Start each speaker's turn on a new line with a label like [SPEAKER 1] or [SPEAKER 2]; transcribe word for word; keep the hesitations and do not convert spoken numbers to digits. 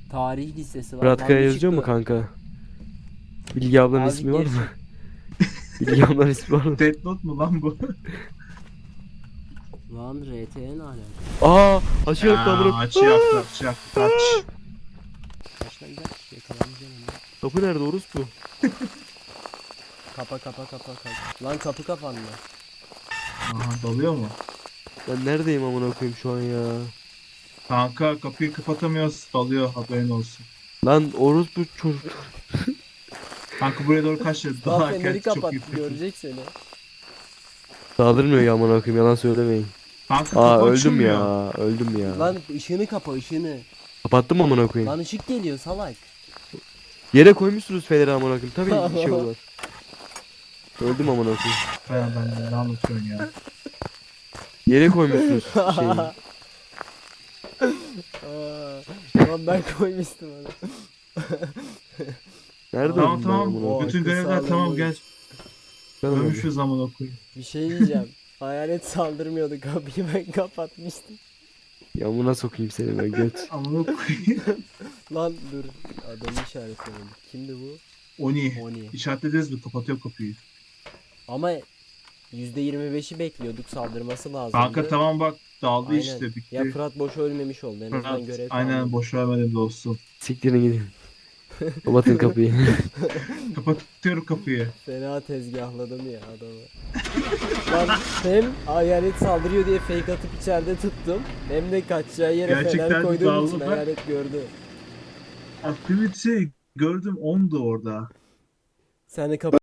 [SPEAKER 1] Tarih listesi var.
[SPEAKER 2] Fırat
[SPEAKER 1] Lan
[SPEAKER 2] Kaya
[SPEAKER 1] bir
[SPEAKER 2] yazıyor mu
[SPEAKER 1] çıktı.
[SPEAKER 2] kanka? Bilgi ablanın
[SPEAKER 1] Azıcık
[SPEAKER 2] ismi var
[SPEAKER 1] geri
[SPEAKER 2] mı? Bilgi ablanın ismi var mı?
[SPEAKER 3] Death Note mu lan bu?
[SPEAKER 1] Lan R T N alaka.
[SPEAKER 2] Aa, açı yaktı
[SPEAKER 3] Aa,
[SPEAKER 2] amına.
[SPEAKER 3] açı yaktı, açı yaktı, kaç.
[SPEAKER 1] Kaç lan gel. Yakalanacağım onu.
[SPEAKER 2] Kapı nerede orospu?
[SPEAKER 1] Kapa kapa kapa kapa. Lan kapı kapandı.
[SPEAKER 3] Aha, dalıyor mu?
[SPEAKER 2] Ben neredeyim amına koyayım şu an ya?
[SPEAKER 3] Kanka kapıyı kapatamıyoruz, dalıyor, haberin olsun.
[SPEAKER 2] Lan orospu çocuk.
[SPEAKER 3] Kanka buraya doğru kaç lira?
[SPEAKER 1] Lan
[SPEAKER 3] Dalarken
[SPEAKER 1] feneri
[SPEAKER 3] çok
[SPEAKER 1] kapat.
[SPEAKER 3] iyi fikir.
[SPEAKER 1] Görecek seni.
[SPEAKER 2] Saldırmıyor ya amına koyayım, yalan söylemeyin.
[SPEAKER 3] Kanka
[SPEAKER 2] Aa,
[SPEAKER 3] kapı
[SPEAKER 2] öldüm
[SPEAKER 3] açılmıyor.
[SPEAKER 2] ya, öldüm ya.
[SPEAKER 1] Lan ışığını kapa ışığını.
[SPEAKER 2] Kapattım amına koyayım.
[SPEAKER 1] Lan ışık geliyor salak.
[SPEAKER 2] Yere koymuşsunuz feneri amına koyayım. Tabii bir şey olur. Öldüm amına koyayım.
[SPEAKER 3] Ben, ben ne anlatıyorsun ya?
[SPEAKER 2] Yere koymuşsunuz şeyi.
[SPEAKER 1] Aa, Lan ben koymuştum onu.
[SPEAKER 2] Nerede
[SPEAKER 3] Tamam
[SPEAKER 2] öldüm
[SPEAKER 3] tamam,
[SPEAKER 2] ben amına koyayım?
[SPEAKER 3] bütün
[SPEAKER 1] akıl
[SPEAKER 3] görevler
[SPEAKER 1] sağlığı
[SPEAKER 3] tamam,
[SPEAKER 1] boyu.
[SPEAKER 3] gel.
[SPEAKER 2] Ben öldüm.
[SPEAKER 3] Ölmüşüz amına koyayım.
[SPEAKER 1] Bir şey diyeceğim. Hayalet saldırmıyordu, kapıyı ben kapatmıştım.
[SPEAKER 2] Yamuna sokayım seni ben göt.
[SPEAKER 3] Amına koyayım.
[SPEAKER 1] Lan dur, adamı işaretlemedim. Kimdi bu?
[SPEAKER 3] Oni.
[SPEAKER 1] Oni.
[SPEAKER 3] İşaretlediniz mi? Kapatıyor kapıyı.
[SPEAKER 1] Ama yüzde yirmi beşi bekliyorduk, saldırması lazımdı.
[SPEAKER 3] Kanka tamam bak, daldı
[SPEAKER 1] Aynen.
[SPEAKER 3] işte, bitti.
[SPEAKER 1] Ya Fırat boş ölmemiş oldu, en azından
[SPEAKER 3] Fırat,
[SPEAKER 1] görev
[SPEAKER 3] aynen,
[SPEAKER 1] tamamladı.
[SPEAKER 3] boş vermedim dostum.
[SPEAKER 2] Siktirin gidin. Kapatın kapıyı.
[SPEAKER 3] Kapatıyorum kapıyı.
[SPEAKER 1] Fena tezgahladım ya adamı. Lan hem hayalet saldırıyor diye fake atıp içeride tuttum. Hem de kaçacağı yere
[SPEAKER 3] Gerçekten
[SPEAKER 1] fener koyduğum için
[SPEAKER 3] daldı bak.
[SPEAKER 1] hayalet gördü.
[SPEAKER 3] Aktivite gördüm, ondu orada.
[SPEAKER 1] Sen de kapı